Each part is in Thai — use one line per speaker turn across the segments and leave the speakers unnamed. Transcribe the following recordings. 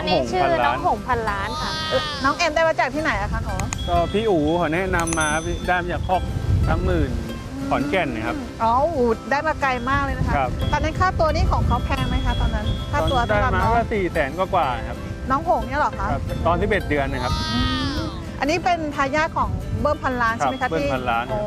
นี้ชื่อน้องหงพันล้านค่ะ
น้องเอ็มได้มาจากที่ไหนอะคะหนู
ก็พี่อู๋เขาแนะนำมาได้มาจากคอก30,000ขอนแก่นนะครับ
อ๋อได้มาไกลมากเลยนะคะ
ครับ
ตอนนั้นค่าตัวนี้ของเขาแพงไหมคะตอนนั้นค่าตัว
ได้
สำหรับ
มา
น้อง
ก็400,000กว่าๆครับ
น้องหงเนี่ยเหรอคะ
ครับตอน11 เดือนนะครับ
อันนี้เป็นทายาทของเบิ้มพันล้านใช่ไหม
ครั
คะ
บเบิ้มพันล้าน
โอ้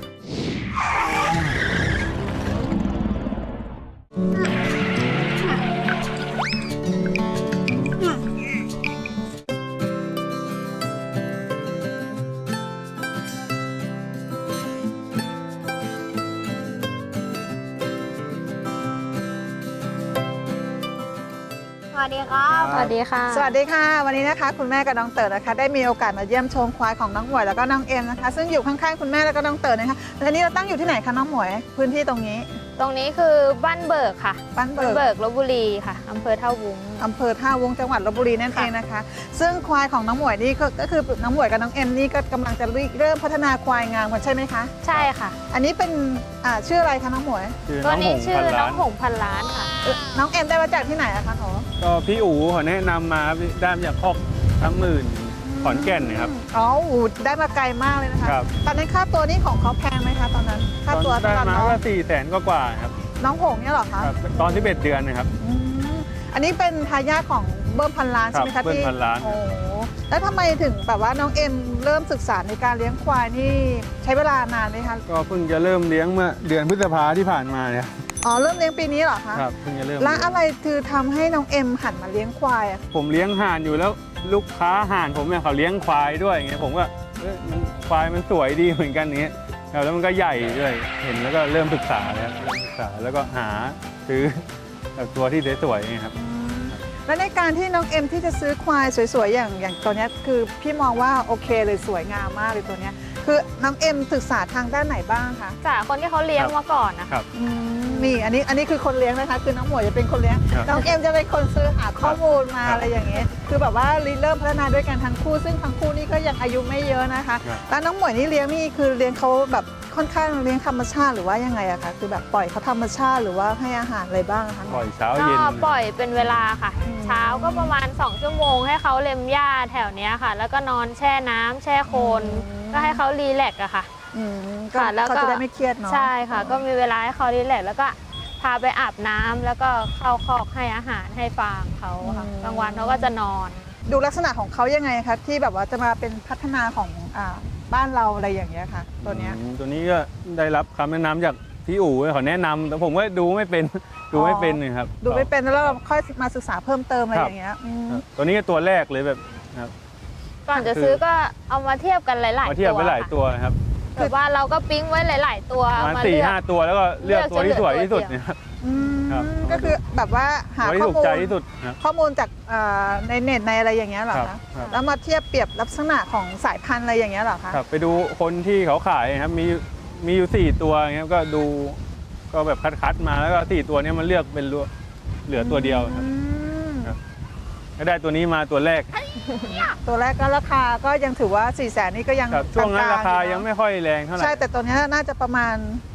สวัสดีครับสวัสดีค่ะ
สวัสดีค่ะ วันนี้นะคะคุณแม่กับน้องเต๋อนะคะได้มีโอกาสมาเยี่ยมชมควายของน้องหมวยแล้วก็น้องเอ็มนะคะซึ่งอยู่ข้างๆคุณแม่แล้วก็น้องเต๋อนะคะและนี่เราตั้งอยู่ที่ไหนคะน้องหมวยพื้นที่ตรงนี้
ตรงนี้คือบ้านเบิกค่ะ
บ้านเบิก
ลพบุรีค่ะอำเภอท่าวุ้ง
อำเภอท่าวงจังหวัดลพบุรีนั่นเองนะคะ ซึ่งควายของน้องหมวยนี่ก็คือน้องหมวยกับน้องเอ็มนี่ก็กำลังจะเริ่มพัฒนาควายงามกันใช่ไหมคะ
ใช่ค่ะ
อันนี้เป็นชื่ออะไรคะน้องหมวย
ชื่อ
ตั
น้
ว
องห
นี้
ง
ชื่
พั
อน น้
ล้า
อง
น
หงพันล้านค่ะ
น้องเอ็มได้มาจากที่ไหนอะคะหนู
ก็พี่อู๋เขาแนะนำมาได้มาจากคอก30,000ขอนแก่นนะครับ
อ๋อได้มาไกลมากเลยนะคะ
ครับ
ตอนนั้นค่าตัวนี้ของเขาแพงไหมคะตอนนั้นค่าตัว
ได้
สำหรับ
มา
น้อง
ก็400,000กว่าๆครับ
น้องหงเนี่ยเหรอคะ
ครับตอน11 เดือนนะครับ
อืมอันนี้เป็นทายาทของเบิ้มพันล้านใช่ไหม
ครั
คะ
บเบิ้มพันล้าน
โอ้แล้วทำไมถึงแบบว่าน้องเอ็มเริ่มศึกษาในการเลี้ยงควายนี่ใช้เวลานานไหมคะ
ก็เพิ่งจะเริ่มเลี้ยงเมื่อเดือนพฤษภาที่ผ่านมาเนี่ย
อ๋อเริ่มเลี้ยงปีนี้เหรอคะ
ครับเพิ่งจะเริ่ม
แล้ว
เลี้ยง
อะไรคือทำให้น้องเอ็มหันมาเลี้ยงควายอะ
ผมเลี้ยงห่านอยู่แล้วลูกค้าห่านผมเนี่ยเขาเลี้ยงควายด้วยอย่างเงี้ยผมก็มันควายมันสวยดีเหมือนกันอย่างเงี้ยครับแล้วมันก็ใหญ่ด้วยเห็นแล้วก็เริ่มศึกษาเลยครับเริ่มศึกษาแล้วก็หาซื้อแบบตัวที่สวยๆอย่างเงี้ยครับ
แล้วในการที่น้องเอ็มที่จะซื้อควายสวยๆอย่างตัวเนี้ยคือพี่มองว่าโอเคเลยสวยงามมากเลยตัวเนี้ยคือน้องเอ็มศึกษาทางด้านไหนบ้างคะ
จากคนที่เขาเลี้ยงมาก่อนนะคะ
นี่อันนี้คือคนเลี้ยงนะคะ คือน้องหมวยจะเป็นคนเลี้ยง
ครับ
น้องเอ็มจะเป็นคนซื้อหาข้อมูลมา
ครับ
อะไรอย่างเงี้ยคือแบบว่าเริ่มพัฒนาด้วยกันทั้งคู่ ซึ่งทั้งคู่นี่ก็ยังอายุไม่เยอะนะคะ
ครับ
แล้วน้องหมวยนี่เลี้ยงนี่คือเลี้ยงเขาแบบค่อนข้างเลี้ยงธรรมชาติหรือว่ายังไงอะคะคือแบบปล่อยเขาธรรมชาติหรือว่าให้อาหารอะไรบ้างคะ
ปล่อยเช้า
ก็
เย็น
ปล่อยเป็นเวลาค่ะ เช้าก็ประมาณ2 ชั่วโมงให้เขาเล็มหญ้าแถวเนี้ยค่ะ แล้วก็นอนแช่น้ำแช่โคลนก็ให้เขารีแลกซ์อะค่ะ
ก็
ค่ะแล้วก็
เขาจะได้ไม่เครียดเนาะ
ใช่ค่ะ ก็มีเวลาให้เขารีแลกซ์แล้วก็พาไปอาบน้ำแล้วก็เข้าคอกให้อาหารให้ฟางเขาค่ะกลางวันเขาก็จะนอน
ดูลักษณะของเขายังไงคะที่แบบว่าจะมาเป็นพัฒนาของบ้านเราอะไรอย่างเงี้ยค่ะ ตัวเนี้ย
ตัวนี้ก็ได้รับคำแนะนำจากพี่อู๋เขาแนะนำแต่ผมก็ดูไม่เป็นดูไม่เป็นเลยครับ
ดูไม่เป็นแล้วเราค่อยมาศึกษาเพิ่มเติมอะไร
ครับ
อย่างเงี้ย
ครับตัวนี้ก็ตัวแรกเลยแบบครับ
ก่อนจะซื้อก็เอามาเทียบกันหลายๆตัว
มาเทียบไปหลายตัวนะครับ
แบบว่าเราก็ปิ๊งไว้หลาย ๆ ตัว
ประมาณ
เลือก
4-5 ตัวแล้วก็เลือกตัวที่สวยที่สุด
เลือก
นะครับ
อืม
ครับ
ก็คือแบบว่าหา
ตัวที่
ข้อ
ถูก
มูล
ใจที่สุดครับ
ข้อมูลจากในเน็ตในอะไรอย่างเงี้ยเหรอ
ครั
คะ
บครับ
แล้วมาเทียบเปรียบลักษณะของสายพันธุ์อะไรอย่างเงี้ยเหรอคะ
ครับไปดูคนที่เขาขายครับมีอยู่4ตัวอย่างเงี้ยก็ดูก็แบบคัดมาแล้วก็4ตัวเนี้มันเลือกเป็นเหลือตัวเดียวครับ
อืม
ครับ ก็ได้ตัวนี้มาตัวแรก
ตัวแรกก็ราคาก็ยังถือว่า 400,000นี่ก็ยัง
ครับช่วงนั้น
กล
ราคา
ๆอ
ยังไม่ค่อยแรงเท่าไหร่
ใช่แต่ตัวเนี้ยน่าจะประมาณ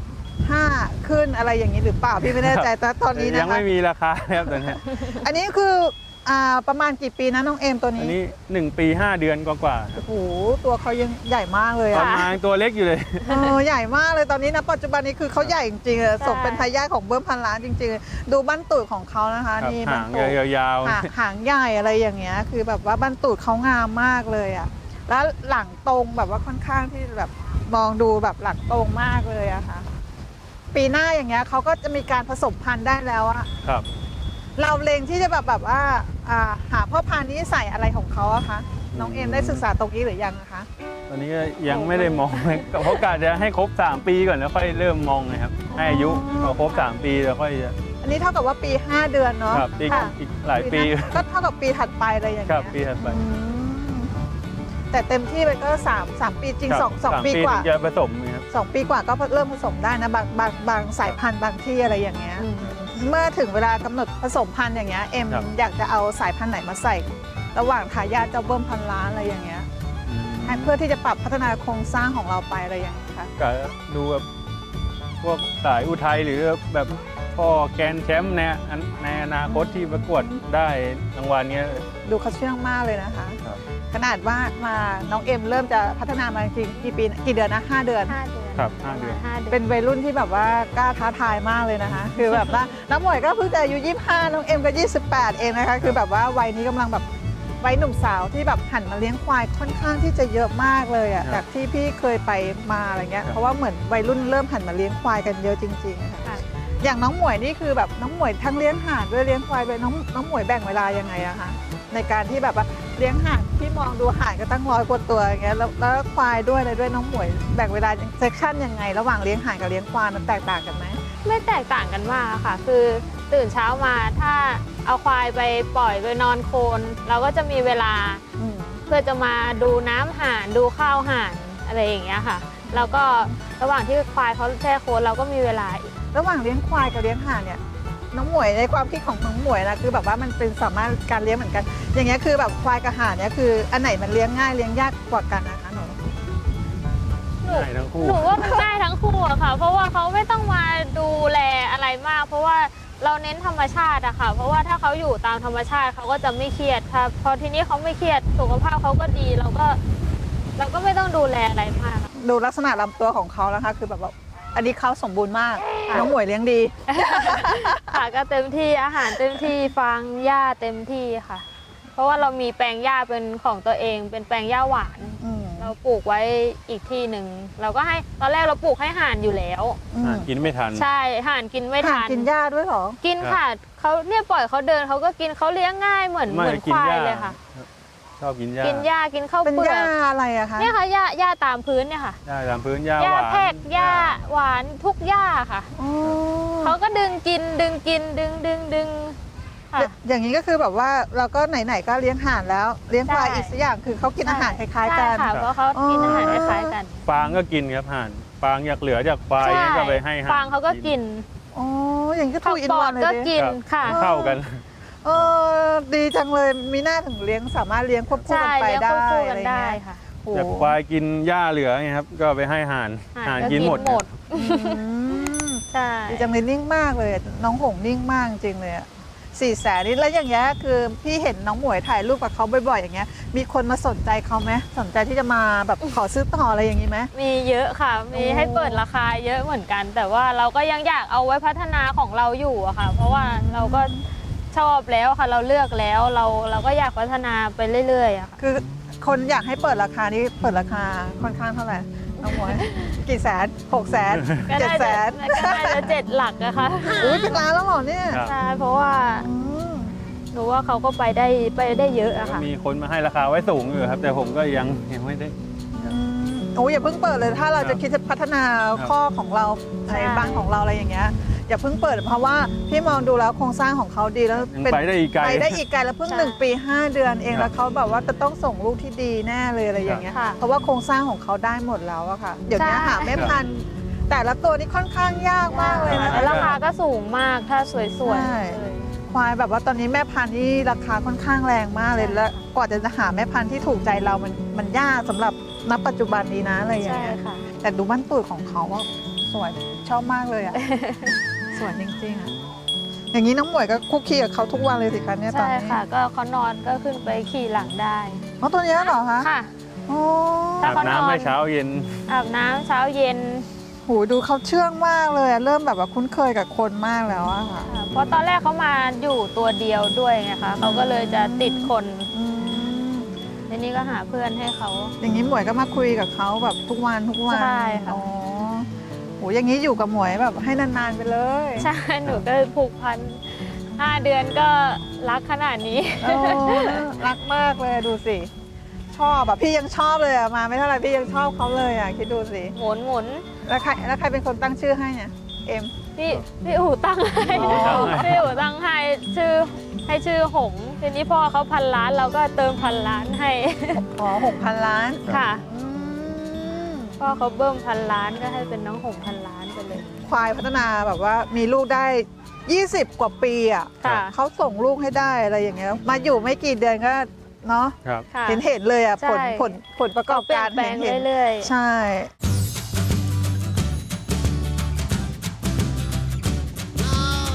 5ขึ้นอะไรอย่างนี้หรือเปล่าพี่ไม่แน่ใจแต่ตอนนี้
ยั
นะ
ง
คะ
ไม่มีราคาครับตอนเนี้ย
อันนี้คือประมาณกี่ปีนะน้องเอมตัว
อัน
นี้
นี้1 ปี 5 เดือนกว่าๆครับ
โอ้โหตัวเขายังใหญ่มากเลย
ป
อะ
ระมาณตัวเล็กอยู่เลย
ใหญ่มากเลยตอนนี้นะปัจจุบันนี้คือเขาใหญ่จริงๆเลยสมเป็นทายาทของเบิ้มพันล้านจริงๆ ดูบั้นตูดของเขานะคะ
ครับ
นี่
หาง
ตูด
ยาว
หางใหญ่อะไรอย่างเงี้ยคือแบบว่าบั้นตูดเขางามมากเลยอะแล้วหลังตรงแบบว่าค่อนข้างที่แบบมองดูแบบหลังตรงมากเลยอะค่ะปีหน้าอย่างเงี้ยเขาก็จะมีการผสมพันธุ์ได้แล้วอะ
ๆครับ
เราเล็งที่จะแบบว่าหาพ่อพันธุ์นี้ใส่อะไรของเขาอะคะน้องเอมได้ศึกษาตรงนี้หรือยังนะคะ
ตอนนี้ก็ยังไม่ได้มอง เพราะกะจะให้ครบ3 ปีก่อนแล้วค่อยเริ่มมองนะครับให้อายุพอครบ3 ปีแล้วค่อยจะ
อันนี้เท่ากับว่าปี 5 เดือนเนาะ
ครับอีก
ค่ะ
อีกหลายปี
ก็เท่ากับปีถัดไปอะไรอย่าง
ครั
เงี้
บ
ย
ปีถัดไป
อืมแต่เต็มที่ไปก็3 ปีจริง
ครับ
สอง
3
ปีกว่า
ถึงจะผสมนะครับ
2 ปีกว่าก็เริ่มผสมได้นะบางสายพันธุ์บางที่อะไรอย่างเงี้ย เมื่อถึงเวลากำหนดผสมพันธุ์อย่างเงี้ยเอ็ม
ครับ
อยากจะเอาสายพันธุ์ไหนมาใส่ ระหว่างทายาทเจ้าเบิ้มพันล้านอะไรอย่างเงี้ยให้เพื่อที่จะปรับพัฒนาโครงสร้างของเราไปอะไรอย่างเงี้ยค่ะ
กะดูแบบพวกสายอุทัยหรือแบบพ่อแกรนด์แชมป์ในอนาคตที่ประกวดได้รางวัลเนี้ย
ดูเขาเชื่องมากเลยนะคะ
ครับ
ขนาดว่ามาน้องเอ็มเริ่มจะพัฒนามาจริงๆกี่ปีกี่เดือนนะ5 เดือน
5 เดือน
ครับ5 เดือน
5 เดือน
เป็นวัยรุ่นที่แบบว่ากล้าท้าทายมากเลยนะคะ คือแบบว่าน้องหมวยก็เพิ่งจะอายุ25น้องเอ็มก็28เองนะคะ คือแบบว่าวัยนี้กำลังแบบวัยหนุ่มสาวที่แบบหันมาเลี้ยงควายค่อนข้างที่จะเยอะมากเลยอ่ะ
ครับ
จากที่พี่เคยไปมาอะไรเงี้ย
ครับ
เพราะว่าเหมือนวัยรุ่นเริ่มหันมาเลี้ยงควายกันเยอะจริงๆค่ะ
ค่ะ
อย่างน้องหมวยนี่คือแบบน้องหมวยทั้งเลี้ยงห่านด้วยเลี้ยงควายด้วยน้องหมวยแบ่งเวลายังไงอะคะในการที่แบบว่าเลี้ยงห่านพี่มองดูห่านก็ตั้ง100 กว่าตัวอย่างเงี้ยแล้วควายด้วยอะไรด้วยน้องหมวยแบ่งเวลาเซสชั่นยังไง ระหว่างเลี้ยงห่านกับเลี้ยงควายมันแตกต่างกันไหม
ไม่แตกต่างกันมากค่ะ คือตื่นเช้ามาถ้าเอาควายไปปล่อยไปนอนโคลนเราก็จะมีเวลา
อืม
เพื่อจะมาดูน้ำห่านดูข้าวห่านอะไรอย่างเงี้ยค่ะ แล้วก็ระหว่างที่ควายเขาแช่โคลนเราก็มีเวลาอีก
ระหว่างเลี้ยงควายกับเลี้ยงห่านเนี่ยน้องหมวยในความคิดของน้องหมวยนะคือแบบว่ามันเป็นสามารถการเลี้ยงเหมือนกัน อย่างเงี้ยคือแบบควายกับห่านเนี่ยคืออันไหนมันเลี้ยงง่ายเลี้ยงยากกว่ากันนะคะหนู
ง่ายทั้งคู่
หนูว่ามันง่ายทั้งคู่อะค่ะ เพราะว่าเขาไม่ต้องมาดูแลอะไรมาก เพราะว่าเราเน้นธรรมชาติอะค่ะ เพราะว่าถ้าเขาอยู่ตามธรรมชาติเขาก็จะไม่เครียดค่ะพอทีนี้เขาไม่เครียดสุขภาพเขาก็ดีเราก็ไม่ต้องดูแลอะไรมาก
ดูลักษณะลำตัวของเขานะคะ คือแบบว่าอันนี้เขาสมบูรณ์มาก
ค่ะ
น้องหมวยเลี้ยงดี
ค่ะก็เต็มที่อาหารเต็มที่ฟางหญ้าเต็มที่ค่ะ เพราะว่าเรามีแปลงหญ้าเป็นของตัวเอง เป็นแปลงหญ้าหวาน
อืม
เราปลูกไว้อีกที่หนึ่งเราก็ให้ตอนแรกเราปลูกให้ห่านอยู่แล้ว
กินไม่ทัน
ใช่ห่านกินไม่
ห่าน
ทัน
กินหญ้าด้วยเหรอ
กินค่ะเขาเนี่ยปล่อยเขาเดินเขาก็กินเขาเลี้ยงง่ายเหมือน
ไม่
ควายเลยค่ะ
ชอบกินหญ้า
กินหญ้ากินข้าว
เป็น
เปลื
ห
อ
ญ้าก อะไรอะคะ
เนี่ยค่ะหญ้าตามพื้นเนี่ยค่ะ
หญ้าตามพื้นหญ้า
หญ้า
หวาน
แพรกหญ้าหวานทุกหญ้าค่ะ
อ๋อ
เขาก็ดึงกินดึงค่ะ
อย่างนี้ก็คือแบบว่าเราก็ไหนๆก็เลี้ยงห่านแล้ว เลี้ยงควาย
ใช่
อีกสักอย่างคือเขากินอาหารคล้ายๆกัน
ใช่ค่ะเพราะเขากินอาหารคล้ายๆกัน
ฟางก็กินครับห่านฟางอยากเหลือจากควาย
ใช่
ก็ไปให้ห่าน
ฟางเขาก็กิน
อ๋ออย่างนี้ก็
ผั
ทู
ก
อิน
ปอ
วั
ด
นเลย
ก็
ดิ
กินค่ะ
เข้ากัน
เออดีจังเลยมีหน้าถึงเลี้ยงสามารถเลี้ยงควบคู่
ใช่
กันไป
เลี้ยง
ได้
ควบคู่
อะ
กัน
ไร
ได้
เงี้ย
ค่ะ
โอ้โห
จากควายกินหญ้าเหลือไงครับ ก็ไปให้ห่านห่านกินหมด
อืม
ใช่
ดีจังเลยนิ่งมากเลยน้องหงนิ่งมากจริงเลยอะ400,000นี่แล้วอย่างเงี้ยคือพี่เห็นน้องหมวยถ่ายรูปกับเขาบ่อยๆอย่างเงี้ยมีคนมาสนใจเขาไหมสนใจที่จะมาแบบขอซื้อต่ออะไรอย่างนี้ไหม
มีเยอะค่ะ มี
โอ้
ให้เปิดราคาเยอะเหมือนกัน แต่ว่าเราก็ยังอยากเอาไว้พัฒนาของเราอยู่อะค่ะ เพราะว่าเราก็ชอบแล้วค่ะ เราเลือกแล้วเราก็อยากพัฒนาไปเรื่อยๆอะค่ะ
คือคนอยากให้เปิดราคานี้เปิดราคาค่อนข้างเท่าไหร่น้องหมวยกี่แสน600,000
ก็น่าจะ
700,000
ก็น่าจะ7 หลักอะค่ะ
อุ้ยเป็นล้านแล้วเหรอเนี่ย
ครับ
ใช่ เพราะว่า
อืม
หนูว่าเขาก็ไปได้เยอะอะค่ะ
มีคนมาให้ราคาไว้สูงอยู่ครับ แต่ผมก็ยังไม่ได้
โอ้ยอย่าเพิ่งเปิดเลยถ้าเราจะคิดจะพัฒนาข้อของเรา
ใช่
ในบ้านของเราอะไรอย่างเงี้ยอย่าเพิ่งเปิดเพราะว่าพี่มองดูแล้วโครงสร้างของเขาดีแล้ว
ยังไปได้อีกไกล
ไปได้อีกไกลแล้วเพิ่ง
ใช่
1 ปี 5 เดือนเอง
ครับ
แล้วเขาแบบว่าจะต้องส่งลูกที่ดีแน่เลยอะไรอย่างเงี้ย
ค่ะ
เพราะว่าโครงสร้างของเขาได้หมดแล้วอะค่ะเดี๋ยวนี้
ใช่
หาแม่พันธุ์แต่ละตัวนี่ค่อนข้างยากมากเลยนะ
แล้วราคาก็สูงมากถ้าสวย
ใช่
ๆเลย
ควายแบบว่าตอนนี้แม่พันธุ์นี่ราคาค่อนข้างแรงมากเลย
ใช่
แล้วกว่าจะหาแม่พันธุ์ที่ถูกใจเรามันยากสำหรับณปัจจุบันนี้นะอะไรอย่าง
ใช่
เงี้ย
ค่ะ
แต่ดูบ้านตูดของเขาว่าสวยชอบมากเลย อ่ะ สวยจริงๆอ่ะอย่างนี้น้องหมวยก็คุกคีกับเขาทุกวันเลยสิคะเนี่ยตอน
ใช่
นี้
ค่ะ ก็เขานอนก็ขึ้นไปขี่หลังได้
อ๋อตัวเนี้ยเหรอคะ
ค่ะ
โอ้
ถ้า
อาบ
เขานอน
น้ำให้เช้าเย็น
อาบน้ำเช้าเย็น
โหดูเขาเชื่องมากเลยอะเริ่มแบบว่าคุ้นเคยกับคนมากแล้วอะค่ะ
ค่ะเพราะตอนแรกเขามาอยู่ตัวเดียวด้วยไงคะเขาก็เลยจะติดคน
อืม
ทีนี้ก็หาเพื่อนให้เขา
อย่างนี้หมวยก็มาคุยกับเขาแบบทุกวัน
ใช่ค่ะ
อ๋อโหอย่างนี้อยู่กับหมวยแบบให้นานๆไปเลย
ใช่ หนูก็ผูกพัน5 เดือนก็รักขนาดนี้
โอ้รักมากเลยดูสิ ชอบแบบพี่ยังชอบเลยอะมาไม่เท่าไหร่พี่ยังชอบเขาเลยอะคิดดูสิ
หมุน
แล้วใครเป็นคนตั้งชื่อให้เนี่ยเอ็ม
พี่อู๋ตั้งให้
อ๋อ
พี่อู๋ตั้งให้ชื่อหงส์ทีนี้พ่อเขา1,000 ล้านเราก็เติม1,000 ล้านให้
อ๋อ6,000 ล้าน
ค่ะ
อืม
พ่อเขาเบิ้ม1,000 ล้านก็ให้เป็นน้องหงส์1,000 ล้านไปเลย
ควายพัฒนาแบบว่ามีลูกได้ 20 กว่าปีอะ
ค่ะ
เขาส่งลูกให้ได้อะไรอย่างเงี้ยมาอยู่ไม่กี่เดือนก็เนาะ
ครับ
ค่ะ
เห็นเลยอะ
ใช่
ผลประกอบ
เปลี่ย
การ
นแปลง
เห็น
เรื่อย
ใช่
ๆ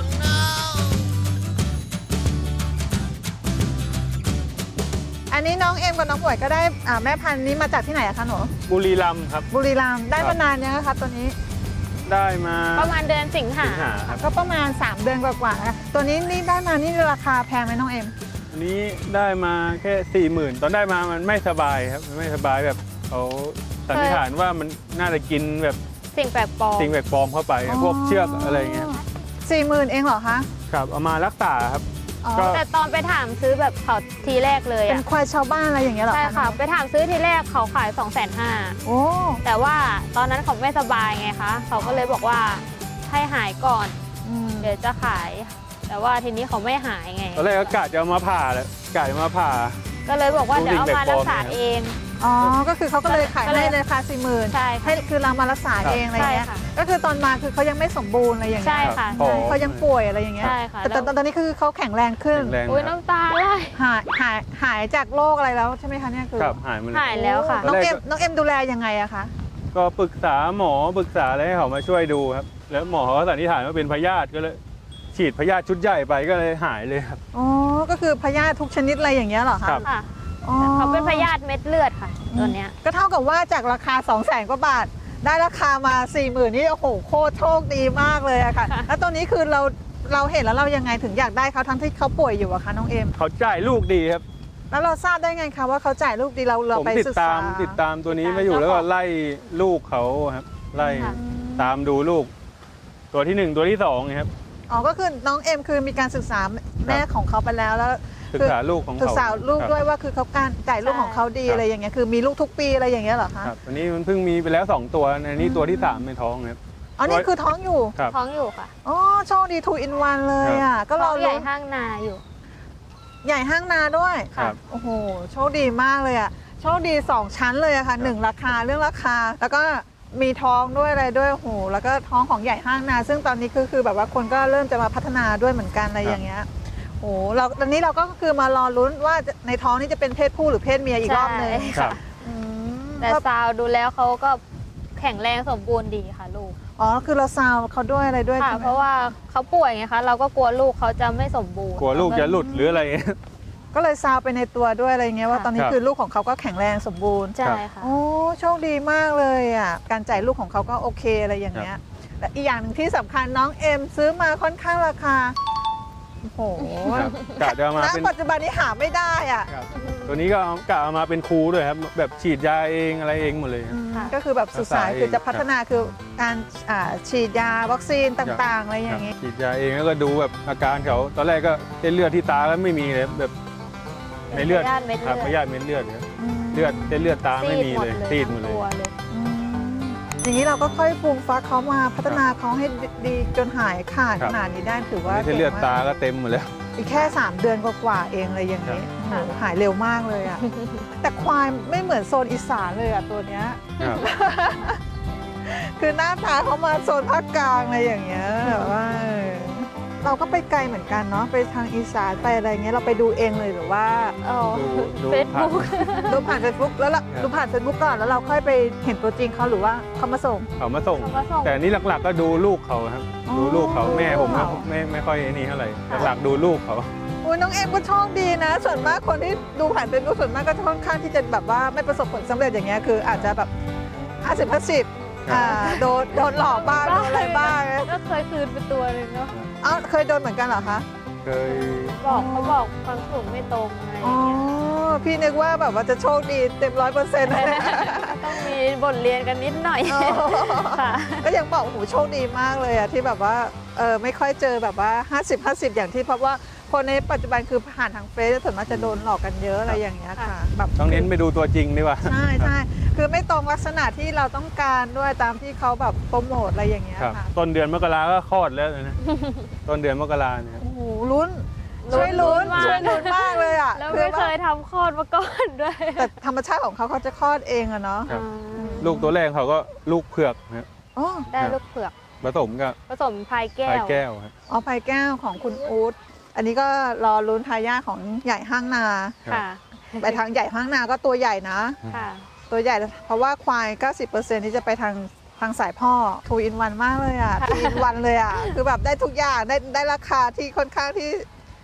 อันนี้น้องเอ็มกับน้องหมวยก็ได้แม่พันธุ์นี้มาจากที่ไหนอะคะหนู
บุรีรัมย์ครับ
บุรีรัมย์ได้
ครั
มา
บ
นานยังคะตัวนี้
ได้มา
ประมาณเดือนสิงหา
สิงหาครับ
ก็ประมาณ 3 เดือนกว่าๆนะตัวนี้นี่ได้มานี่ราคาแพงไหมน้องเอ็ม
อันนี้ได้มาแค่ 40,000 ตอนได้มามันไม่สบายครับมันไม่สบายแบบเขาสันนิษฐานว่ามันน่าจะกินแบบ
สิ่งแปลกปลอม
สิ่งแปลกปลอมเข้าไปพวกเชือกอะไรเงี้ย
40,000เองเหรอคะ
ครับเอามารักษาครับ
อ๋อ
ก็
แต่ตอนไปถามซื้อแบบเขาทีแรกเลย
เป็น
อ่ะ
ควายชาวบ้านอะไรอย่างเงี้ยเหรอ
ใช่ค่ะ
น้อง
ไปถามซื้อทีแรกเขาขาย 250,000
โอ้
แต่ว่าตอนนั้นเขาไม่สบายไงคะเขาก็เลยบอกว่าให้หายก่อน
อืม
เดี๋ยวจะขาย แต่ว่าทีนี้เขาไม่หายไง
ตอนแรกก็กะจะเอามาผ่าแหละกะจะมาผ่า
ก็เลยบอกว่าเดี๋ยวเอามารักษาเอง
อ๋อก็คือเขาก็เลยขาย
ก็เลย
ให้เลยค่ะ40,000
ใช่
ให้
ค่ะ
คือเรามารักษาเองอะไรอย่างเงี้ย
ใช่ค่ะ
ก็คือตอนมาคือเขายังไม่สมบูรณ์อะไรอย่างเงี้ย
ใช่ค่ะ
พอ
เขายังป่วยอะไรอย่างเงี้ย
ใช่ค่ะ
แต่
แล้ว
ตอนนี้คือเขาแข็งแรงขึ้น
แข็งแรง
อุ้ย
ครับ
น้ำตาไหล
หายจากโรคอะไรแล้วใช่ไหมคะเนี่ยคือ
ครับหายมาเล
หาย ยแล้วค่ะ
น้อง
ตอนแร
เอ็
ก
มน้องเอ็มดูแลยังไงอะคะ
ก็ปรึกษาหมอปรึกษาอะไรให้เขามาช่วยดูครับ แล้วหมอเขาก็สันนิษฐานว่าเป็นพยาธิก็เลยฉีดพยาธิชุดใหญ่ไปก็เลยหายเลยครับ
อ๋อก็คือพยาธิทุกชนิดอะไรอย่างเงี้ยเหรอคะ
ครับ
ค่ะ
อ๋อ
เขาเป็นพยาธิเม็ดเลือดค่ะตัวเนี้ย
ก็เท่ากับว่าจากราคา 200,000 กว่าบาท ได้ราคามา 40,000นี่โอ้โหโคตรโชคดีมากเลยอะค่ะ
ค่ะ
แล้วตัวนี้คือเราเห็นแล้วเรายังไงถึงอยากได้เขาทั้งที่เขาป่วยอยู่อะคะน้องเอ็ม
เขาจ่ายลูกดีครับ
แล้วเราทราบได้ไงคะว่าเขาจ่ายลูกดีเรา
ผม
ไป
ติด
ศึก
ตา
ษาม
ตัวนี้มาอยู่แล้วก็ไล่ลูกเขาครับ ไล่
ค่ะ
ตามดูลูก ตัวที่ 1 ตัวที่2ครับ
อ๋อก็คือน้องเอ็มคือมีการศึกษาแม่ของเขาไปแล้วแล้ว
ศึกษาลูกของเขา
ศึกษาลูก
ครับ
ด้วยว่าคือเขาการจ่ายลูกของเขาดี
ครับ
อะไรอย่างเงี้ยคือมีลูกทุกปีอะไรอย่างเงี้ยเหรอคะ
ครับอันนี้มันเพิ่งมีไปแล้ว 2 ตัวอันนี้ตัวที่ 3 ในท้องครับ
อ๋อนี่คือท้องอยู่
ครับ
ท้องอยู่ค่ะ
อ๋อโชคดีทูอินวันเลยอ่ะก็
ท้
เรา
องใหญ่
ลุ้น
ห้างนาอยู่
ใหญ่ห้างนาด้วย
ครับ
โอ้โหโชคดีมากเลยอ่ะโชคดี 2 ชั้นเลยอะค่ะ
ครับ
1ราคาเรื่องราคา แล้วก็มีท้องด้วยอะไรด้วยโอ้โหแล้วก็ท้องของใหญ่ห้างนา ซึ่งตอนนี้คือแบบว่าคนก็เริ่มจะมาพัฒนาด้วยเหมือนกันอะไรอย่างเงี้ยโอ้โหเราตอนนี้เราก็คือมารอลุ้นว่าในท้องนี่จะเป็นเพศผู้หรือเพศเมียอีกรอบหนึง
ใช่
ครั
ค่ะ
บ
อืม
แต่
ก็
ซาวดูแล้วเขาก็แข็งแรงสมบูรณ์ดีค่ะลูก
อ๋อคือเราซาวเขาด้วยอะไรด้วย
ค่ะ
ใช่ไหม
เพราะว่าเขาป่วยไงคะเราก็กลัวลูกเขาจะไม่สมบูรณ์
กลัวลูกจะหลุดหรืออะไร
ก็เลยซาวไปในตัวด้วยอะไรเงี้ยว่า
ค่ะ
ตอนนี้
ครับ
คือลูกของเขาก็แข็งแรงสมบูรณ์
ใช่ค่ะ
โอ้โชคดีมากเลยอ่ะการจ่ายลูกของเขาก็โอเคอะไรอย่างเงี้ยและอีกอย่างหนึ่งที่สำคัญน้องเอ็มซื้อมาค่อนข้างราคาโอ้โห
ครับกะจะเอามา
ณ
เป็น
ปัจจุบันนี้หาไม่ได้อ่ะ
ครับตัวนี้ก็กะเอามาเป็นครูด้วยครับ แบบฉีดยาเองอะไรเองหมดเลยครับ
ค่ะ
ก็คือแบบสุดสาย
รักษาเอง
คือจะพัฒนาคือการฉีดยาวัคซีนต่างๆอะไรอย่าง
นี้
งี้
ฉีดยาเองแล้วก็ดูแบบอาการเขาตอนแรกก็เส้นเลือดที่ตาก็ไม่มีเลยแบบในเลือด
พยาธิเม็ดเลือด
ครับพยาธิเม็ดเลือดครับ
อืม
เลือดเส้นเลือดตาไม่มีเลยซีดหมด
ทั้ง
เลย
ตัวเลย
อืมอย่างนี้เราก็ค่อยปรุงฟักเขามาพัฒนาเขาให้ดีจนหายขาด
ครั
ข
บ
นาดนี้ได้ถือว่า
เส้นเลือด
ก่งมก
ตาก็เต็มหมดแล้ว
อีกแค่ 3 เดือนกว่าๆเองอะไรอย่างนี้
ครับ
โอ้โหหายเร็วมากเลยอ่ะ แต่ควายไม่เหมือนโซนอีสานเลยอ่ะตัวเนี้ย
ครับ
คือหน้าตาเขามาโซนภาคกลางอะไรอย่างเงี้ยแบบว่าเราก็ไปไกลเหมือนกันเนาะไปทางอีสานไปอะไรเงี้ยเราไปดูเองเลยหรือว่า
อ๋อ
ดู
เฟซบุ๊ก
ดูผ่าน Facebook แล้วล่ะดูผ่าน Facebook ก่อนแล้วเราค่อยไปเห็นตัวจริงเขาหรือว่าเขามาส่ง
เขามาส่ง
เขามาส่ง
แต่นี่หลักๆก็ดูลูกเขาครับ
อ๋อ
ดูลูกเขาแม่ผม
อ๋อ
ไม่ค่อยไอ้นี่เท่าไหร่
ค่ะ
หลักๆดูลูกเขา
อุ้ยน้องเอ็มก็โชคดีนะ ส่วนมากคนที่ดูผ่าน Facebook ส่วนมากก็ค่อนข้างที่จะแบบว่าไม่ประสบผลสำเร็จอย่างเงี้ยคืออาจจะแบบ50-50โดนหลอกบ้างโดนอะไรบ้าง
ก็เคยคืนไปตัวหนึงเนาะ
เอ้าเคยโดนเหมือนกันเหรอคะ
เคย
เขาบอกความสูงไม่ตรงอะไรอ
อ๋อย่าง
เงี้ย
พี่นึกว่าแบบว่าจะโชคดีเต็ม100%เลย
ต้องมีบทเรียนกันนิดหน่อย
อ๋อ
ค่ะ
ก็ยังบอกโอ้โหโชคดีมากเลยอะที่แบบว่าไม่ค่อยเจอแบบว่า50-50อย่างที่เพราะว่าคนในปัจจุบันคือผ่านทางเฟซส่วนมากจะโดนหลอกกันเยอะอะไรอย่างเงี้ยค่ะแบบ
ต้องเน้นไปดูตัวจริงดีกว่า
ใช่ใช่คือไม่ตรงลักษณะที่เราต้องการด้วยตามที่เขาแบบโปรโมทอะไรอย่างเงี้ย
ครับ
ค่ะ
ต้นเดือนมกราก็คลอดแล้วนะ ต้นเดือนมกราเนี่ยครับ
โอ้โหลุ้นช่วยลุ้น
มาก
ช่วยลุ้นมากเลยอะ
แล้ว
คื
ไม่
อ
เค
ว่าย
ทำคลอดมาก่อนด้วย
แต่ธรรมชาติของเขาจะคลอดเองอะเนาะ
ครับ
อ่า
ลูกตัวแรกเขาก็ลูกเผือกนะครับ
อ๋อ
ได้ลูกเผือก
ผสมกับ
ผสมพายแก้
สายว แก้วครับ
อ๋อพายแก้วของคุณอู๊ดอันนี้ก็รอลุ้นทายาทของใหญ่ห้างนา
ค่ะ
ไปทางใหญ่ห้างนาก็ตัวใหญ่นะ
ค่ะ
ตัวใหญ่เพราะว่าควาย 90%นี่จะไปทางสายพ่อทูอินวันมากเลยอ่ะ
ค่ะ
ทูอินวันเลยอ่ะ คือแบบได้ทุกอย่างได้ราคาที่ค่อนข้างที่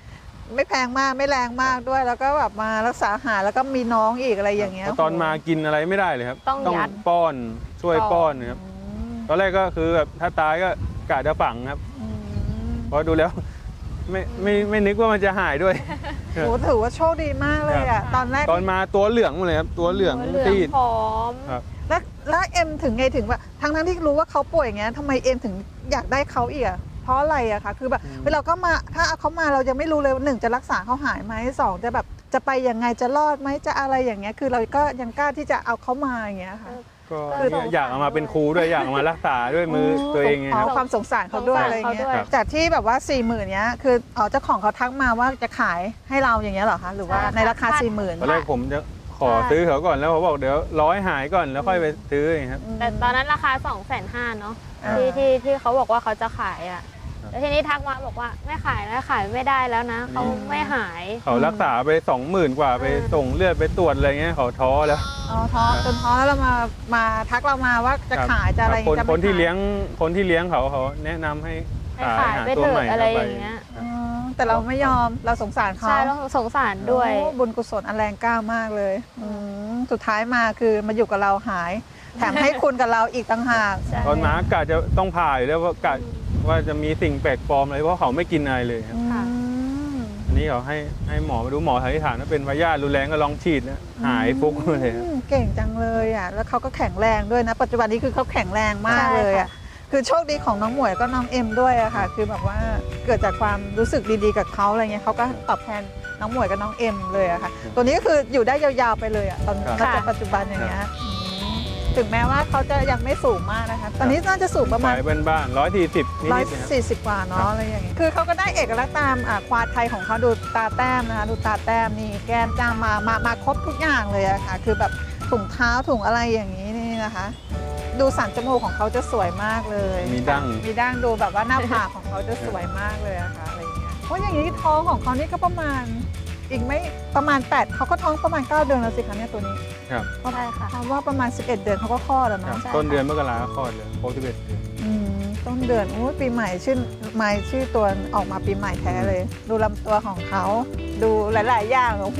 ไม่แพงมากไม่แรงมากด้วย แล้วก็แบบมารักษาหายแล้วก็มีน้องอีกอะไรอย่างเงี้ย
พอตอนมากินอะไรไม่ได้เลยครับ
ต้องยัด
ป้อนช่วยป้อนนะครับ
อืม
ตอนแรกก็คือแบบถ้าตายก็กะจะฝังครับ
อืม
เพราะดูแล้วไม่นึกว่ามันจะหายด้วย
โหถือว่าโชคดีมากเลยอ่ะตอนแรก
ตอนมาตัวเหลืองหมดเลยครับตัวเหลือง
เหลือง
ตีด
ผอม
ครับ
แล้วเอ็มถึงไงถึงว่าทั้งที่รู้ว่าเขาป่วยอย่างเงี้ยทำไมเอ็มถึงอยากได้เขาอีกอะเพราะอะไรอะคะคือแบบเวลาเขามาถ้าเอาเขามาเรายังไม่รู้เลยว่าหนึ่งจะรักษาเขาหายไหมสองจะแบบจะไปยังไงจะรอดไหมจะอะไรอย่างเงี้ยคือเราก็ยังกล้าที่จะเอาเขามาอย่างเงี้ยค่ะ
ก็
คือ
เนี่ยอยากเอามาเป็นครูด้วยอยากเอามารักษาด้วยมือตัวเองไง
อ๋
ค
อ
รับ
ความสงสารเขาด้วย
สงสาร
อะไรเงี้ย
เขาด้วย
จากที่แบบว่า40,000เนี้ยคือเจ้าของเขาทักมาว่าจะขายให้เราอย่างเงี้ยเหรอคะหรือว่าในราคา 40,000
ตอนแรกผมจะขอซื้อเขาก่อนแล้วเขาบอกเดี๋ยวร้อยหายก่อนแล้วค่อยไปซื้ออย่างเงี้ยครับ
แต่ตอนนั้นราคา 250,000เนาะ
อ่า
ที่เขาบอกว่าเขาจะขายอ่ะแล้วทีนี้ทักมาบอกว่าไม่ขายแล้วขายไม่ได้แล้วนะเขาไม่หาย
เขารักษาไป 20,000 กว่าไปส่งเลือดไปตรวจอะไรเงี้ยเขาท้อแล้ว
อ๋อท้อจนท้อแล้วเรามาทักเรามาว่าจะขายจะอะไร
คน
จะไม่
คนที่
ขาย
เลี้ยงเขาแนะนำให้
ให้
ขาย
ขาย
หา
ไป
ตัว
เถ
ใหม่
อะอะไร
เข้า
อ
ไป
ย่างเงี้ย
อ๋อแต่เราไม่ยอมเราสงสารเขา
ใช่แล้วสงสารด้วย
โอ้บุญกุศลอันแรงกล้ามากเลยสุดท้ายมาคือมาอยู่กับเราหาย แถมให้คุณกับเราอีกต่างหาก
ใช่
ตอนมากะจะต้องผ่าอยู่แล้วว่ากะว่าจะมีสิ่งแปลกปลอมอะไรเพราะเขาไม่กินอะไรเลยครับ
ค่ะ
อันนี้เขาให้หมอมาดูหมอสันนิษฐานว่าเป็นพยาธิรุนแรงก็ลองฉีดนะหายฟุกเลยครับ
เก่งจังเลยอ่ะแล้วเขาก็แข็งแรงด้วยนะ ปัจจุบันนี้คือเขาแข็งแรงมากเลยอ่ะคือโชคดีของน้องหมวยก็น้องเอ็มด้วยอะค่ะ คือแบบว่าเกิดจากความรู้สึกดีๆกับเขาอะไรเงี้ยเขาก็ตอบแทนน้องหมวยกับน้องเอ็มเลยอะค่ะ ตัวนี้ก็คืออยู่ได้ยาวๆไปเลยอะตอน
ครับ
ณปัจจุบันอย่างเงี้ยถึงแม้ว่าเขาจะยังไม่สูงมากนะคะ ตอนนี้น่าจะสูงประมาณ
ขายบ้านๆ140นิดๆนะครับ
140 กว่าเนาะอะไรอย่างเงี้ย คือเขาก็ได้เอกลักษณ์ตามควายไทยของเขาดูตาแต้มนะคะดูตาแต้มนี่แก้มจ้ามมาครบทุกอย่างเลยอะค่ะ คือแบบถุงเท้าถุงอะไรอย่างนี้นี่นะคะ ดูสันจมูกของเขาจะสวยมากเลย
มีดั้ง
มีดั้งดูแบบว่าหน้าผากของเขาจะสวยมากเลยอะค่ะอะไรอย่างเงี้ยเพราะอย่างนี้ท้องของเขานี่ก็ประมาณอีกไม่ประมาณ8เขาก็ท้องประมาณ9 เดือนแล้วสิคะเนี่ยตัวนี้
ครับ
ใช่ค่ะ
คำว่าประมาณ11 เดือนเขาก็คลอดแล้ว
ครับ
เนาะ
ใช่
ต้นเดือนมกราคลอดเลย61เดือน
ต้นเดือนโอ้ยปีใหม่ชื่อตัวออกมาปีใหม่แท้เลย ดูลำตัวของเขาดูหลาย ๆ อย่างโอ้โห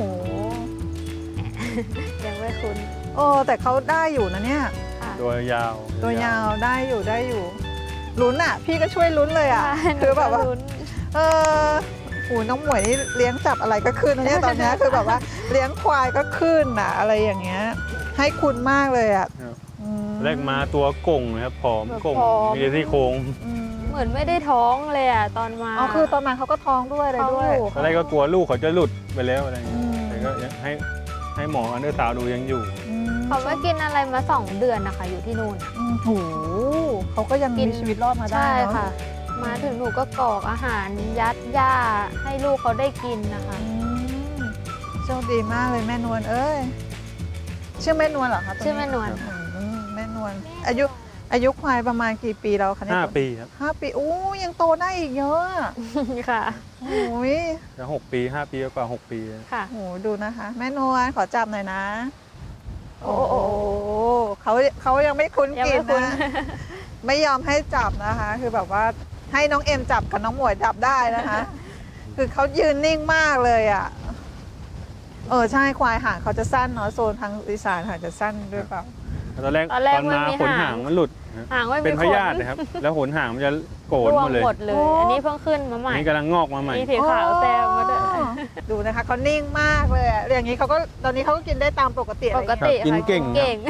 ยังไม่คุ้น
โอ้แต่เขาได้อยู่นะเนี่ย
ค่ะ
ตัวยาว
ตัวยาวได้อยู่ลุ้นอ่ะ พี่ก็ช่วยลุ้นเลยอ่ะ
ใช่
คือแบบว่า
หนูก็ลุ้น
เออโอ้น้องหมวยนี่เลี้ยงจับอะไรก็ขึ้นนะเนี่ยตอนเนี้ยคือแบบว่าเลี้ยงควายก็ขึ้นอ่ะอะไรอย่างเงี้ยให้คุณมากเลยอ่ะ
ครับ
อืม
แรกมาตัวก่งนะครับผอมก่ง
ผอม
มีแต่ซี่โครง
อืม
เหมือนไม่ได้ท้องเลยอ่ะตอนมา
อ๋อคือตอนมาเขาก็ท้องด้วยอะไรด้วย
ท้องอยู่
ตอนแรกก็กลัวลูกเขาจะหลุดไปแล้วอะไรอย่างเงี้ย
อืม
แต่ก็ยังให้หมออันเดอร์ซาวด์ดูยังอยู่
เขาไม่กินอะไรมา2 เดือนนะคะอยู่ที่นู่น
โอ้โหเขาก็ยัง
กิ
มี
น
ชีวิตรอดมาได้
ใช่
เนาะ
ค่ะ มาถึงหนูก็กรอกอาหารยัดหญ้าให้ลูกเขาได้กินนะคะ
อืมโชคดีมากเลยแม่นวลเอ้ยชื่อแม่นวลเหรอคะตัวนี้
ชื่อแม่นวลค่ะ
แม่นวลอายุควายประมาณกี่ปีแล้วคะเนี่ย
5 ปีครับ
5 ปีอู้ยังโตได้อีกเยอะอะ
ค่ะ
โอ้ย
จะ6 ปี 5 ปีกว่า 6 ปี
ค่ะ
โหดูนะคะ แม่นวลขอจับหน่อยนะ
โอ้
โอ้
โห
โหเขายังไม่คุ้น
ยัง
กิ
ไม่
น
คุ้น
นะ ไม่ยอมให้จับนะคะ คือแบบว่าให้น้องเอ็มจับกับน้องหมวยจับได้นะคะ คือเขายืนนิ่งมากเลยอ่ะ ใช่ควายหางเขาจะสั้นเนาะโซนทางอีสานหางจะสั้นด้วยเปล่า
ตอนแรก
ตอนแรก
ตอนมา
มันมี
ขน
หา
หาง งมันหลุดนะ
หางไม่มี
เป็นพ
ขน
ยาธินะครับ แล้วขนหางมันจะโกน
ร่ว
ห
ง
มดเลย
หมดเลย
โอ้
อันนี้เพิ่งขึ้นมาให
อั
ม่
นนี้กำลังงอกมาใหม่
มีสีขาวแซมมาด้วย
อ๋อดูนะคะเขานิ่งมากเลยอะอย่างนี้เขาก็ตอนนี้เขาก็กินได้ตามปกติอะไร
ป
อย่าง
ก
เงี้ย
ติ
กิน
ค่ะ
เก่ง
เก่ง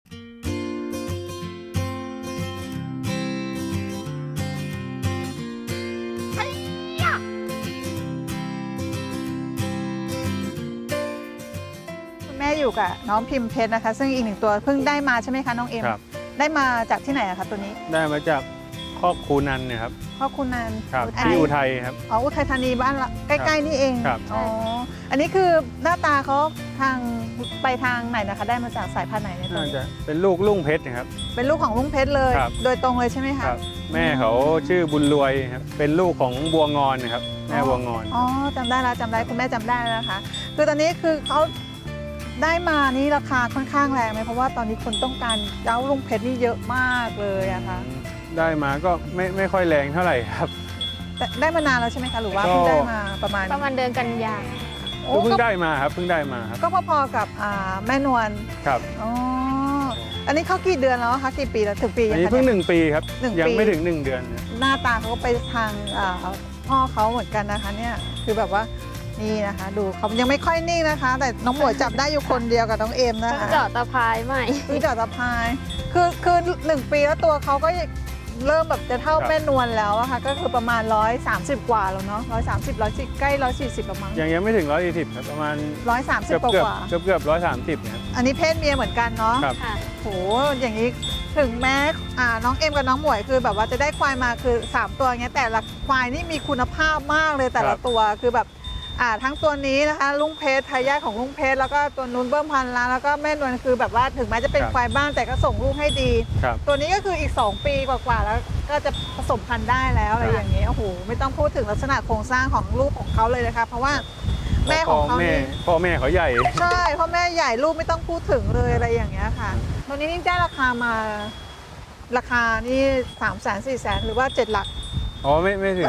คุณแม่อยู่กับน้องพิมพ์เพชรนะคะ ซึ่งอีกหนึ่งตัวเพิ่งได้มาใช่ไหมคะน้องเอ็ม
ครับ
ได้มาจากที่ไหนอะคะตัวนี้
ได้มาจากครอบครูนันเนยครับ
พ่อคุณนัน
ครับ
อัน
ที่
นี้
อุทัยครับ
อ๋ออุทัยธานีบ้านละใกล้ๆนี่เอง
ครับ
อ๋ออันนี้คือหน้าตาเขาทางไปทางไหนนะคะ ได้มาจากสายพันธุ์ไหนในตัว
น่า
นี้
จะเป็นลูกลุงเพชรนะครับ
เป็นลูกของลุงเพชรเลย
ครับ
โดยตรงเลยใช่ไหมคะ
ครับ แม่เขาชื่อบุญรวยครับ เป็นลูกของบัวงอนนะครับ แม่บัวงอน
อ๋อจำได้แล้วจำได้คุณแม่จำได้แล้วนะคะ คือตอนนี้คือเขาได้มานี่ราคาค่อนข้างแรงไหมเพราะว่าตอนนี้คนต้องการเจ้าลุงเพชรนี่เยอะมากเลยอะค่ะ
ได้มาก็ไม่ค่อยแรงเท่าไหร่ครับ
แต่ได้มานานแล้วใช่ไหมคะหรือว่าเพิ่งได้มาประมาณ
เดือนกันยา
โอ้
ก็เพิ่
ก็
งได้มาครับเพิ่งได้มาครับ
ก็พอๆกับแม่นวล
ครับ
อ๋ออันนี้เขากี่เดือนแล้วคะกี่ปีแล้วถึงปี
อั
ยั
น
ง
นี้
คะ
เพิ่ง
เนี่ย
1 ปีครับ
หนึ่ง
ยัง
ปี
ไม่ถึง 1 เดือนเนี่ย
หน้าตาเขาก็ไปทางพ่อเขาเหมือนกันนะคะเนี่ยคือแบบว่านี่นะคะ ดูเขายังไม่ค่อยนิ่งนะคะ แต่น้องหมวยจับได้อยู่คนเดียวกับน้องเอมนะ
เพิ่ง
คะ
เจาะตะพายใหม่
เพิ่งเจาะตะพายคือ1 ปีแล้วตัวเขาก็เริ่มแบบจะเท่าแม่นวลแล้วอะค่ะก็คือประมาณ130 กว่าแล้วเนาะ130 140ใกล้140ประมาณ
ยังไม่ถึง120ครับประมาณ
130กว่า
เกือบ130นะครับ
อันนี้เพศเมียเหมือนกันเนาะ
ครับ
ค่ะ
โหอย่างนี้ถึงแม้น้องเอ็มกับน้องหมวยคือแบบว่าจะได้ควายมาคือ3 ตัวเงี้ยแต่ละควายนี่มีคุณภาพมากเลยแต่ละตัวคือแบบทั้งตัวนี้นะคะลุงเพชรทายาทของลุงเพชรแล้วก็ตัวนุ้นเบิ้มพันล้านแล้วก็แม่นวลคือแบบว่าถึงแม้จะเป็นควายบ้านแต่ก็ส่งลูกให้ดี
ครับ
ตัวนี้ก็คืออีก2 ปีกว่าๆแล้วก็จะผสมพันธุ์ได้แล้วอะไรอย่างนี้โอ้โหไม่ต้องพูดถึงลักษณะโครงสร้างของลูกของเขาเลยนะคะเพราะว่าแม่ของเขานี่
พ่อแม่เขาใหญ่
ใช่พ่อแม่ใหญ่ลูกไม่ต้องพูดถึงเลยอะไรอย่างเงี้ยค่ะตัวนี้นี่ได้ราคามาราคานี่300,000 400,000หรือว่า7 หลัก
อ๋อไม่ถึง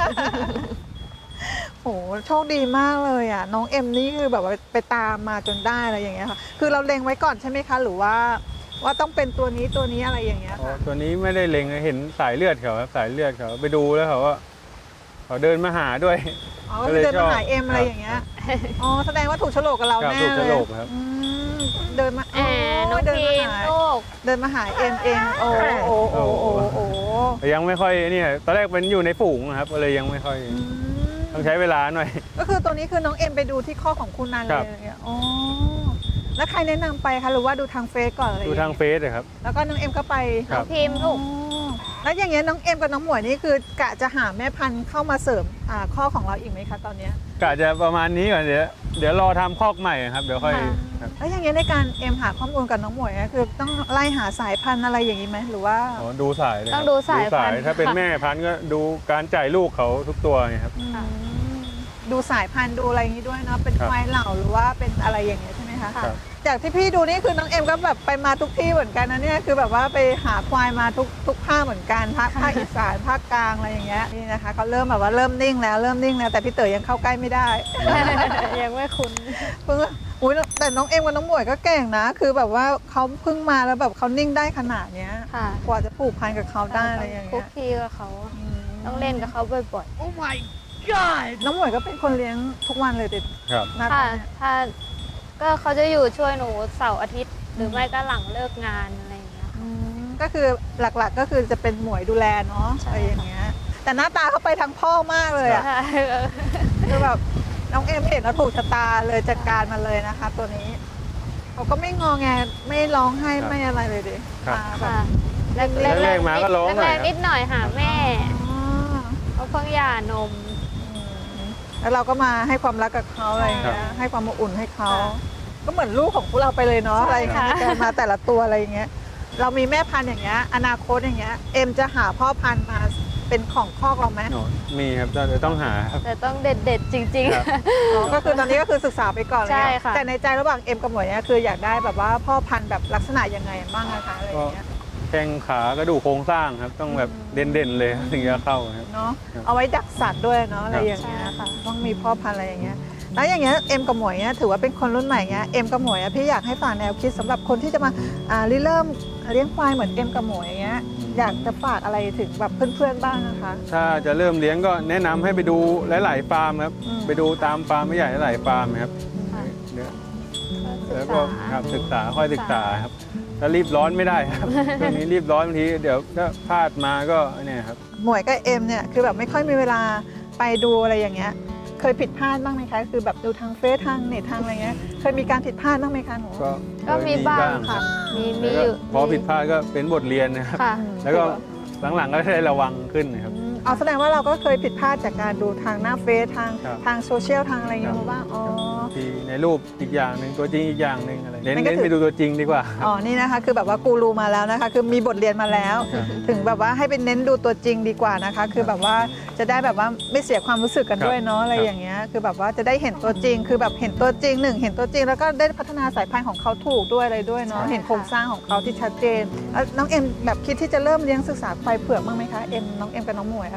โหโชคดีมากเลยอ่ะน้องเอ็มนี่คือแบบว่าไปตามมาจนได้อะไรอย่างเงี้ยค่ะคือเราเล็งไว้ก่อนใช่ไหมคะหรือว่าต้องเป็นตัวนี้อะไรอย่างเงี้ย
อ๋อ
ค่ะ
ตัวนี้ไม่ได้เล็งเห็นสายเลือดเขาครับสายเลือดเขาไปดูแล้วเขาเดินมาหาด้วย
อ๋อก็คือเดินมาหาเอ็มอะไรอย่างเงี้ยอ๋อแสดงว่าถูกโฉลกกับเรา
ครับ
แน่
ถูก
เล
โฉ
ย
ลกครับ
เดินมา
น้อง
เดิน
พี
มาม หา
ลูก
เดินมาหาเอ็มเองโอ้โอ้
แต่ยังไม่ค่อยนี่ตอนแรกเป็นอยู่ในฝูงนะครับก็เลยยังไม่ค่อยต้องใช้เวลาหน่อย
ก็คือตัวนี้คือน้องเอ็มไปดูที่ข้อของคุณนันเล
ครั
ย
บ
อะไรเงี้ยอ๋อแล้วใครแนะนำไปคะหรือว่าดูทางเฟซก่อนอะไร
ดูทางเฟซเลยครับ
แล้วก็น้องเอ็มก็ไป
ครั
น้อบ งพิมพ์ลูก
อ๋อแล้วอย่างเงี้ยน้องเอ็มกับน้องหมวยนี่คือกะจะหาแม่พันธุ์เข้ามาเสริมข้อของเราอีกไหมคะตอนเนี้ย
กะจะประมาณนี้ก่อนเดี๋ยวรอทำคอกใหม่ครับเดี๋ยวค่อย
ค่ะ
ครับ
แล้วอย่างเงี้ยในการเอ็มหาข้อมูลกับน้องหมวยเนี่ยคือต้องไล่หาสายพันธุ์อะไรอย่างนี้ไหมหรือว่า
อ๋อดูสายเลยครับ
ต้องดูสายพันธุ์
ถ้าเป็น
ค่ะ
แม่พันธุ์ก็ดูการจ่ายลูกเขาทุกตัวไงครับ
ค่ะ
ดูสายพันธุ์ดูอะไรอย่างนี้ด้วยเนาะเป็น
ครับ
ควายเหล่าหรือว่าเป็นอะไรอย่างเงี้ยใช่ไหมคะ
ครับ
จากที่พี่ดูนี่คือน้องเอ็มก็แบบไปมาทุกที่เหมือนกันนะเนี่ยคือแบบว่าไปหาควายมาทุกภาคเหมือนกันภาคอีสานภาคกลางอะไรอย่างเงี้ยนี่นะคะเขาเริ่มแบบว่าเริ่มนิ่งแล้วแต่พี่เต๋อยังเข้าใกล้ไม่ได้
ยังไม่คุ้น
เพิ่งอุ้ยแต่น้องเอ็มกับน้องหมวยก็เก่งนะ คือแบบว่าเขาเพิ่งมาแล้วแบบเขานิ่งได้ขนาดเนี้ย
ค่ะ
กว่าจะผูกพันกับเขาได้อะไรอย่าง
คุ
เงี้
ก
ย
คีกับเขา
อืม
ต้องเล่นกับเขาบ่อย
น้องหมวยก็เป็นคนเลี้ยงทุกวันเลยเด็ด
ครับ
หน้า
ๆ
ตา
ค่ะ
เนี่ย
ถ้าก็เขาจะอยู่ช่วยหนูเสาร์อาทิตย์ หรือไม่ก็หลังเลิกงานอะไรอย่างเงี้ย
อืมก็คือหลักๆก็คือจะเป็นหมวยดูแลเนาะ
ใช่
อะไรอย่างเงี้ยแต่หน้าตาเขาไปทางพ่อมากเลยอะ
ใช่
คือแบบน้องเอ็มเห็นแล้วถูกชะตาเลยจัดการมาเลยนะคะ ตัวนี้เขาก็ไม่งอแงไม่ร้องไห้
ครับ
ไม่อะไรเลยดิ
ครับ
มาแบบ
ค่ะแรก
แรกๆมาก็ร้องหน่อย
แรกๆนิดหน่อยหาแม่
อ๋อ
เขาเพิ่งหย่านม
แล้วเราก็มาให้ความรักกับเขาอะไรอย่างเงี้ยให้ความอบอุ่นให้เขา
ค่ะ
ก็เหมือนลูกของพวกเราไปเลยเนาะ
ใช่
อะไรอย่างเงี้ย
ค่ะ
ในการมาแต่ละตัวอะไรอย่างเงี้ยเรามีแม่พันธุ์อย่างเงี้ยอนาคตอย่างเงี้ยเอ็มจะหาพ่อพันธุ์มาเป็นของคอกเราไหม
อ๋อมีครับแต่ต้องหาครับ
แต่ต้องเด็ดๆจริง
ครับ
อ๋อก็คือตอนนี้ก็คือศึกษาไปก่อนเลย
ใช่ค่ะ
แต่ในใจระหว่างเอ็มกับหมวยเนี่ยคืออยากได้แบบว่าพ่อพันธุ์แบบลักษณะยังไงบ้างนะคะอะไรอย่างเงี้ย
แข้งขากระดูกโครงสร้างครับ ต้องแบบเด่นๆเลยถึงจะเข้าครับ
เนาะ
ครับ
เอาไว้ดักสัตว์ด้วยเนาะอะไร
ครับ
อย่างเงี้ยค่ะต้องมีพ่อพันธุ์อะไรอย่างเงี้ยแล้วอย่างเงี้ยเอ็มกับหมวยเนี่ยถือว่าเป็นคนรุ่นใหม่เงี้ยเอ็มกับหมวยอะพี่อยากให้ฝากแนวคิดสำหรับคนที่จะมาเริ่มเลี้ยงควายเหมือนเอ็มกับหมวยอย่างเงี้ยอยากจะฝากอะไรถึงแบบเพื่อนๆบ้างนะคะ
ถ้าจะเริ่มเลี้ยงก็แนะนำให้ไปดูหลาย ๆ ฟาร์มครับ
อืม
ไปดูตามฟาร์มไม่ใหญ่หลายๆฟาร์มครับ
ค่ะ
เดี๋ยว
ศึ
แล้ว
ก
ก็
ษา
ครับศึกษาค่อยศึกษาครับถ้ารีบร้อนไม่ได้ครับ ช่วงนี้รีบร้อนบางทีเดี๋ยวถ้าพลาดมาก็เนี่ยครับ
หมวยกับเอ็มเนี่ยคือแบบไม่ค่อยมีเวลาไปดูอะไรอย่างเงี้ยเคยผิดพลาดบ้างไหมคะคือแบบดูทางเฟซทางเน็ตทางอะไรเงี้ยเคยมีการผิดพลาดบ้างไหมคะหนู
ก็มีบ้างค่ะ มี
แล้วก็
อยู่
พอผิดพลาดก็เป็นบทเรียนนะครับ
ค่ะ
แล้วก็หลังๆก็ได้ระวังขึ้นนะครับ
เอาแสดงว่าเราก็เคยผิดพลาดจากการดูทางหน้าเฟซทาง
ครับ
ทางโซเชียลทางอะไรอย่างเงี้ยมาบ้างอ๋อ
ทีในรูปอีกอย่างหนึ่งตัวจริงอีกอย่างหนึ่งอะไรเน้น
นั่นก็คือ
ไปดูตัวจริงดีกว่าครับ
อ๋อนี่นะคะคือแบบว่ากูรูมาแล้วนะคะ คือมีบทเรียนมาแล้ว
ครับ
ถึงแบบว่าให้เป็นเน้นดูตัวจริงดีกว่านะคะ คือแบบว่าจะได้แบบว่าไม่เสียความรู้สึกกันด้วยเนาะอะไรอย่างเงี้ยคือแบบว่าจะได้เห็นตัวจริง คือแบบเห็นตัวจริงหนึ่งเห็นตัวจริง แล้วก็ได้พัฒนาสายพันธุ์ของเขาถูกด้วยอะไรด้วยเนาะ
ใช่
เห็นโครงสร้างของเขาที่ชัดเจนแล้วน้องเอ็มแบบคิดที่จะเริ่มเลี้ยงศึกษาควายเผือกบ้างไหมคะน้องเอ็มกับน้องหมวยอะค่ะ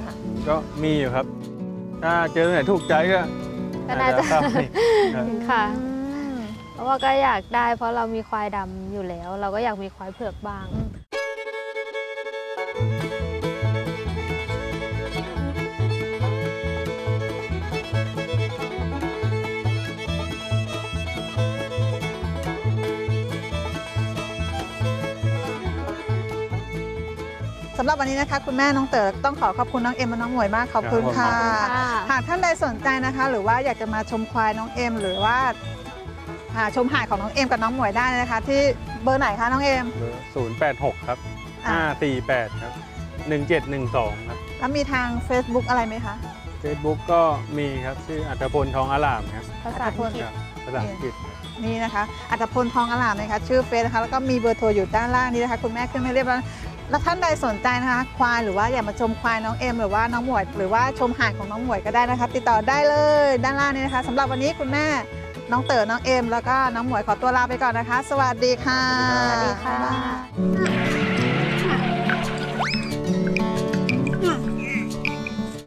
ก็มีอยู่ครับ ถ้าเจอไหนถูกใจก็
ก็น่าจะ
เข้าไปครับ
ค่ะ
อืม
เพราะว่าก็อยากได้เพราะเรามีควายดำอยู่แล้ว เราก็อยากมีควายเผือกบ้าง
สำหรับวันนี้นะคะคุณแม่น้องเต๋อต้องขอขอบคุณน้องเอ็มและน้องหมวยมากขอบคุณ
ครับ
ค่ะ
ขอบคุณค่ะ
หากท่านใดสนใจนะคะ หรือว่าอยากจะมาชมควายน้องเอ็มหรือว่าชมหาดของน้องเอ็มกับน้องหมวยได้นะคะ ที่เบอร์ไหนคะน้องเอ็ม
เบอร์086 ครับ
อ่า
548 ครับ 1712 ครับ
แล้วมีทาง Facebook อะไรไหมคะ
Facebook ก็มีครับชื่ออัตพลทองอลามครับ
ภาษาอังกฤษ
ครับภาษาอังกฤษครับ
นี่นะคะอัตพลทองอลามนะคะชื่อเฟซนะคะแล้วก็มีเบอร์โทรอยู่ด้านล่างนี้นะคะคุณแม่ขึ้นไม่เรียบร้อยแล้วท่านใดสนใจนะคะควายหรือว่าอยากมาชมควายน้องเอ็มหรือว่าน้องหมวยหรือว่าชมหาดของน้องหมวยก็ได้นะคะ ติดต่อได้เลยด้านล่างนี้นะคะสำหรับวันนี้คุณแม่น้องเต๋อน้องเอ็มแล้วก็น้องหมวยขอตัวลาไปก่อนนะคะ สวัสดีค่ะ
สวัสดี
สวัสดีค่ะ